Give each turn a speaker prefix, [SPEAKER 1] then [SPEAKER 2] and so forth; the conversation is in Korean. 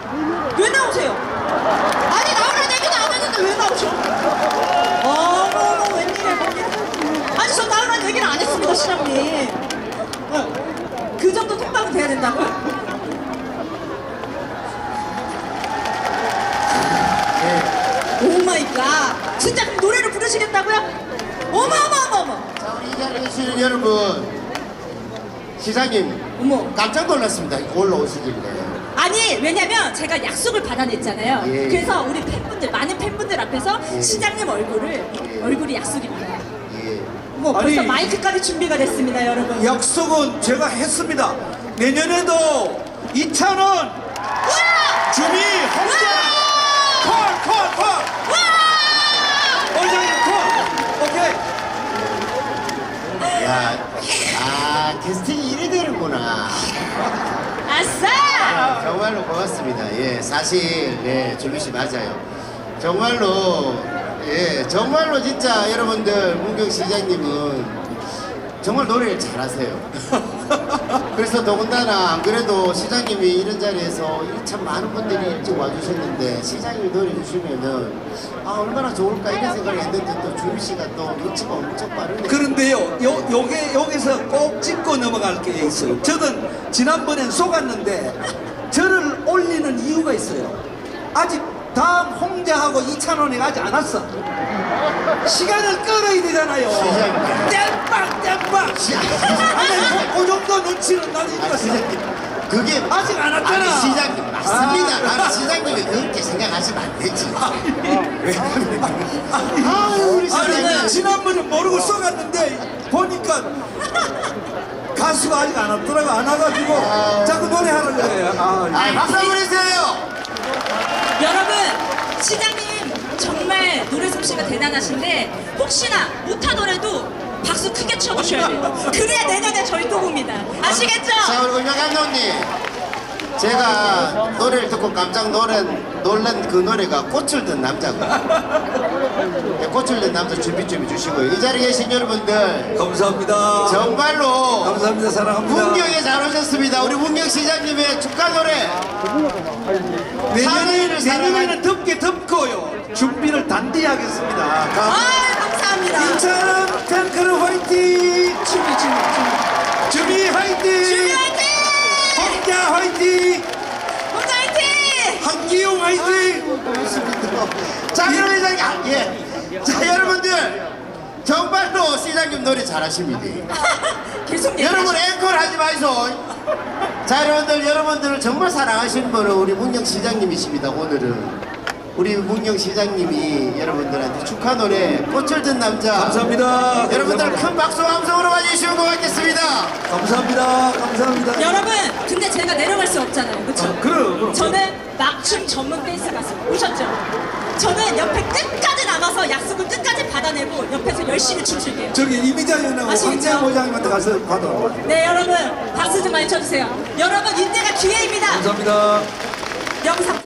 [SPEAKER 1] 왜 나오세요? 아니 나오라는 얘기도 안 했는데 왜 나오셔? 어머 웬일이야 웬일이야. 아니 저 나오라는 얘기를 안 했습니다 시장님. 그 정도 통과는 돼야 된다고요? 오 마이 갓. 진짜 그럼 노래를 부르시겠다고요? 어머.
[SPEAKER 2] 자, 우리 이 자리에 계시는 여러분, 시장님
[SPEAKER 1] 어머.
[SPEAKER 2] 깜짝 놀랐습니다. 올라오시길래.
[SPEAKER 1] 아니 왜냐면 제가 약속을 받아냈잖아요.
[SPEAKER 2] 예.
[SPEAKER 1] 그래서 우리 팬분들 많은 팬분들 앞에서
[SPEAKER 2] 예.
[SPEAKER 1] 시장님 얼굴이 약속입니다.
[SPEAKER 2] 예.
[SPEAKER 1] 뭐 벌써
[SPEAKER 3] 아니.
[SPEAKER 1] 마이크까지 준비가 됐습니다 여러분.
[SPEAKER 3] 약속은 제가 했습니다. 내년에도 2,000원
[SPEAKER 1] 와!
[SPEAKER 3] 주미 혼자 콜 원장님 콜 오케이.
[SPEAKER 2] 야, 캐스팅이 이래 되는구나.
[SPEAKER 1] 아싸!
[SPEAKER 2] 정말로 고맙습니다. 예, 사실 조미 씨 맞아요. 정말로 진짜 여러분들 문경 시장님은 정말 노래를 잘하세요. 그래서 더군다나 안 그래도 시장님이 이런 자리에서 참 많은 분들이 일찍 와주셨는데 시장님이 노래 주시면은 얼마나 좋을까 이런 생각을 했는데 또 조미 씨가 또 눈치가 엄청 빠르네.
[SPEAKER 3] 그런데요, 여기서 꼭 짚고 넘어갈 게 있어요. 저는 지난번엔 속았는데 저를 올리는 이유가 있어요. 아직 다음 홍자하고 2,000원이 가지 않았어. 시간을 끌어야 되잖아요. 땜빵. 아니, 그 정도 눈치는 나는 있었어.
[SPEAKER 2] 시장님, 그게
[SPEAKER 3] 아직 안 왔잖아.
[SPEAKER 2] 아니 시장님 맞습니다. 나는 시장님이 그렇게 생각하시면 안 되지. 우리
[SPEAKER 3] 아니,
[SPEAKER 2] 시장님.
[SPEAKER 3] 지난번에 모르고 써갔는데 보니까 가수가 아직 안 왔더라고. 안 와가지고 자꾸 노래하는 거예요.
[SPEAKER 2] 박수 한번 해주세요.
[SPEAKER 1] 여러분 시장님 정말 노래 솜씨가 대단하신데 혹시나 못하더라도 박수 크게 쳐주셔야 돼요. 그래야 내년에 저희 또 봅니다. 아시겠죠?
[SPEAKER 2] 자, 우리 은영 감독님. 제가 노래를 듣고 깜짝 놀란 그 노래가 꽃을 든 남자고. 꽃을 든 남자 준비 좀 해주시고요. 이 자리에 계신 여러분들
[SPEAKER 3] 감사합니다.
[SPEAKER 2] 정말로
[SPEAKER 3] 감사합니다. 사랑합니다.
[SPEAKER 2] 문경에 잘 오셨습니다. 우리 문경 시장님의 축하 노래.
[SPEAKER 3] 내년에는 덥게 덥고요. 준비를 단디 하겠습니다.
[SPEAKER 1] 감사합니다.
[SPEAKER 3] 인천 탱크를 화이팅! 주미 화이팅!
[SPEAKER 1] 주미 화이팅!
[SPEAKER 3] 홍자 화이팅!
[SPEAKER 1] 혼자 화이팅!
[SPEAKER 3] 한기용 화이팅!
[SPEAKER 2] 자, 그럼 자, 여러분들 정말로 시장님 노래 잘하십니다.
[SPEAKER 1] 계속
[SPEAKER 2] 여러분 앵콜 하지 마이소. 자, 여러분들을 정말 사랑하시는 분은 우리 문경 시장님이십니다. 오늘은 우리 문경 시장님이 여러분들한테 축하 노래 꽃을 든 남자.
[SPEAKER 3] 감사합니다.
[SPEAKER 2] 여러분들 큰 박수 함성으로 맞이해주시면 고맙겠습니다.
[SPEAKER 3] 감사합니다.
[SPEAKER 1] 여러분 근데 제가 내려갈 수 없잖아요. 그렇죠?
[SPEAKER 3] 그럼.
[SPEAKER 1] 저는 막춤 전문 댄스 가수 오셨죠? 저는 옆에 끝까지 남아서 약속을 끝까지 받아내고 옆에서 열심히 춤출게요.
[SPEAKER 3] 저기 이미자 연하고
[SPEAKER 1] 아시겠죠?
[SPEAKER 3] 황재현 모장님한테 가서 받아.
[SPEAKER 1] 네 여러분 박수 좀 많이 쳐주세요. 여러분 이때가 기회입니다.
[SPEAKER 3] 감사합니다.
[SPEAKER 1] 영상